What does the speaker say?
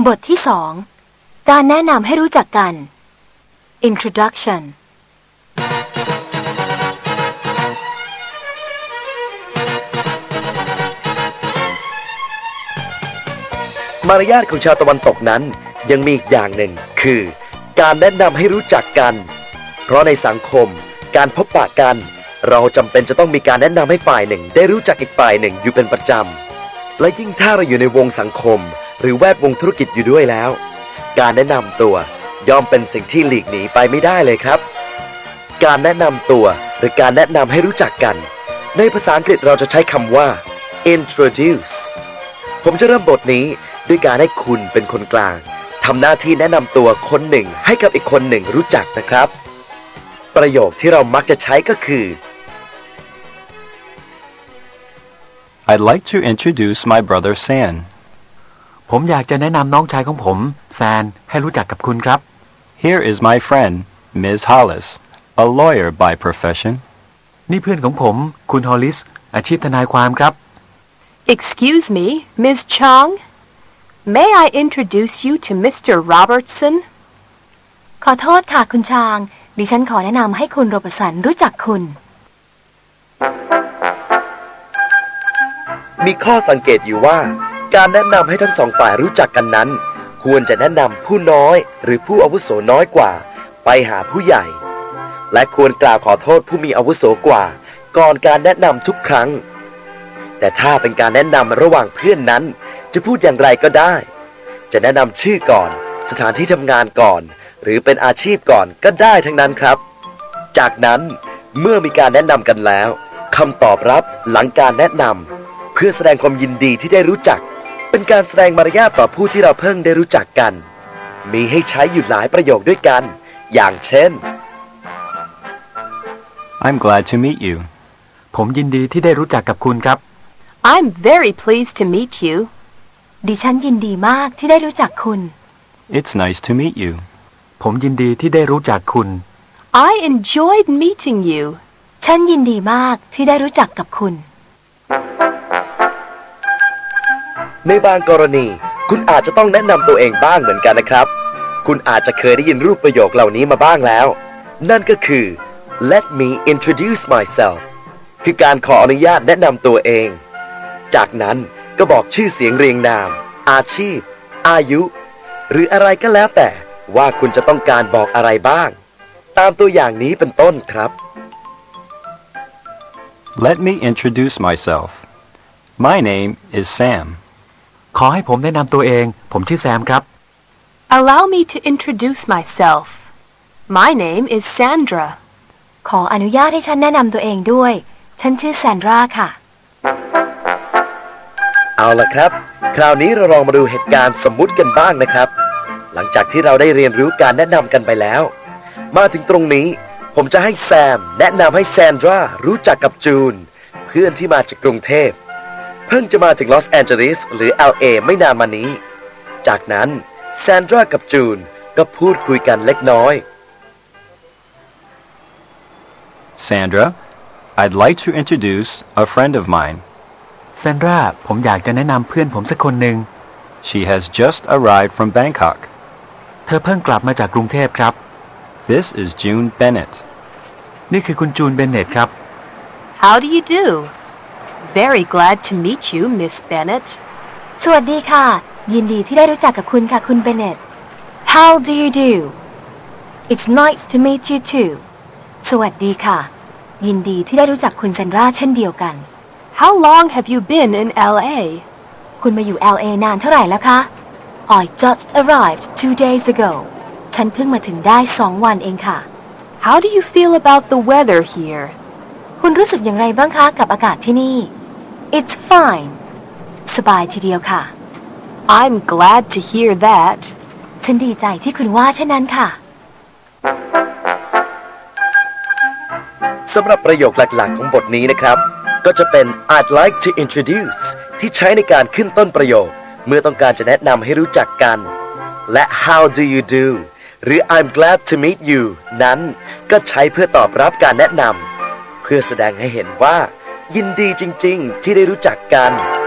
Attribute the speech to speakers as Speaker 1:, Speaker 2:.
Speaker 1: บทที่2การแนะนำให้รู้จักกัน Introduction
Speaker 2: มารยาทของชาวตะวันตกนั้นยังมีอีกอย่างหนึ่งคือการแนะนำให้รู้จักกันเพราะในสังคมการพบปะกันเราจำเป็นจะต้องมีการแนะนำให้ฝ่ายหนึ่งได้รู้จักอีกฝ่ายหนึ่งอยู่เป็นประจำและยิ่งถ้าเราอยู่ในวงสังคมหรือแวดวงธุรกิจอยู่ด้วยแล้วการแนะนำตัวย่อมเป็นสิ่งที่หลีกหนีไปไม่ได้เลยครับการแนะนำตัวหรือการแนะนำให้รู้จักกันในภาษาอังกฤษเราจะใช้คำว่า introduce ผมจะเริ่มบทนี้ด้วยการให้คุณเป็นคนกลางทำหน้าที่แนะนำตัวคนหนึ่งให้กับอีกคนหนึ่งรู้จักนะครับประโยคที่เรามักจะใช้ก็คือ
Speaker 3: I'd like to introduce my brother San.
Speaker 4: ผมอยากจะแนะนำน้องชายของผมแซนให้รู้จักกับคุณครับ
Speaker 3: Here is my friend, Ms. Hollis, a lawyer by profession.
Speaker 4: นี่เพื่อนของผมคุณฮอลลิสอาชีพทนายความครับ
Speaker 5: Excuse me, Ms. Chong. May I introduce you to Mr. Robertson?
Speaker 1: ขอโทษค่ะคุณชางดิฉันขอแนะนำให้คุณโรเบิร์ตสันรู้จักคุณ
Speaker 2: มีข้อสังเกตอยู่ว่าการแนะนำให้ทั้งสองฝ่ายรู้จักกันนั้นควรจะแนะนำผู้น้อยหรือผู้อาวุโสน้อยกว่าไปหาผู้ใหญ่และควรกล่าวขอโทษผู้มีอาวุโสกว่าก่อนการแนะนำทุกครั้งแต่ถ้าเป็นการแนะนำระหว่างเพื่อนนั้นจะพูดอย่างไรก็ได้จะแนะนำชื่อก่อนสถานที่ทำงานก่อนหรือเป็นอาชีพก่อนก็ได้ทั้งนั้นครับจากนั้นเมื่อมีการแนะนำกันแล้วคำตอบรับหลังการแนะนำเพื่อแสดงความยินดีที่ได้รู้จักเป็นการแสดงมารยาทต่อผู้ที่เราเพิ่งได้รู้จักกันมีให้ใช้อยู่หลายประโยคด้วยกันอย่างเช่น
Speaker 3: I'm glad to meet you.
Speaker 4: ผมยินดีที่ได้รู้จักกับคุณครับ
Speaker 5: I'm very pleased to meet you.
Speaker 1: ดิฉันยินดีมากที่ได้รู้จักคุณ
Speaker 3: It's nice to meet you.
Speaker 4: ผมยินดีที่ได้รู้จักคุณ
Speaker 5: I enjoyed meeting you.
Speaker 1: ฉันยินดีมากที่ได้รู้จักกับคุณ
Speaker 2: ในบางกรณีคุณอาจจะต้องแนะนำตัวเองบ้างเหมือนกันนะครับคุณอาจจะเคยได้ยินรูปประโยคเหล่านี้มาบ้างแล้วนั่นก็คือ Let me introduce myself คือการขออนุญาตแนะนำตัวเองจากนั้นก็บอกชื่อเสียงเรียงนามอาชีพอายุหรืออะไรก็แล้วแต่ว่าคุณจะต้องการบอกอะไรบ้างตามตัวอย่างนี้เป็นต้นครับ
Speaker 3: Let me introduce myself. My name is Sam.
Speaker 4: ขอให้ผมแนะนำตัวเองผมชื่อแซมครับ
Speaker 5: Allow me to introduce myself. My name is Sandra.
Speaker 1: ขออนุญาตให้ฉันแนะนำตัวเองด้วยฉันชื่อแซนดราค่ะ
Speaker 2: เอาล่ะครับคราวนี้เราลองมาดูเหตุการณ์สมมุติกันบ้างนะครับหลังจากที่เราได้เรียนรู้การแนะนำกันไปแล้วมาถึงตรงนี้ผมจะให้แซมแนะนำให้แซนดรารู้จักกับจูนเพื่อนที่มาจากกรุงเทพเพิ่งจะมาถึงลอสแอนเจลิสหรือ LA ไม่นานมานี้จากนั้นแซนดรากับจูนก็พูดคุยกันเล็กน้อย
Speaker 3: Sandra, I'd like to introduce a friend of mine.
Speaker 4: แซนดราผมอยากจะแนะนำเพื่อนผมสักคนหนึ่ง
Speaker 3: She has just arrived from Bangkok.
Speaker 4: เธอเพิ่งกลับมาจากกรุงเทพครับ
Speaker 3: This is June Bennett.
Speaker 4: นี่คือคุณจูนเบนเน็ตครับ
Speaker 5: How do you do? Very glad to meet you, Miss Bennett.
Speaker 1: สวัสดีค่ะยินดีที่ได้รู้จักกับคุณค่ะคุณเบนเน็ต How do you do? It's nice to meet you too. สวัสดีค่ะยินดีที่ได้รู้จักคุณแซนดราเช่นเดียวกัน
Speaker 5: How long have you been in LA?
Speaker 1: คุณมาอยู่ LA นานเท่าไหร่แล้วคะ I just arrived 2 days ago ฉันเพิ่งมาถึงได้2 วันเองค่ะ
Speaker 5: How do you feel about the weather here?
Speaker 1: คุณรู้สึกอย่างไรบ้างคะกับอากาศที่นี่ It's fine สบายทีเดียวค่ะ
Speaker 5: I'm glad to hear that.
Speaker 1: ฉันดีใจที่คุณว่าเช่นนั้นค่ะ
Speaker 2: สำหรับประโยคหลักๆของบทนี้นะครับก็จะเป็น I'd like to introduce ที่ใช้ในการขึ้นต้นประโยคเมื่อต้องการจะแนะนำให้รู้จักกันและ How do you do หรือ I'm glad to meet you นั้นก็ใช้เพื่อตอบรับการแนะนำเพื่อแสดงให้เห็นว่ายินดีจริงๆที่ได้รู้จักกัน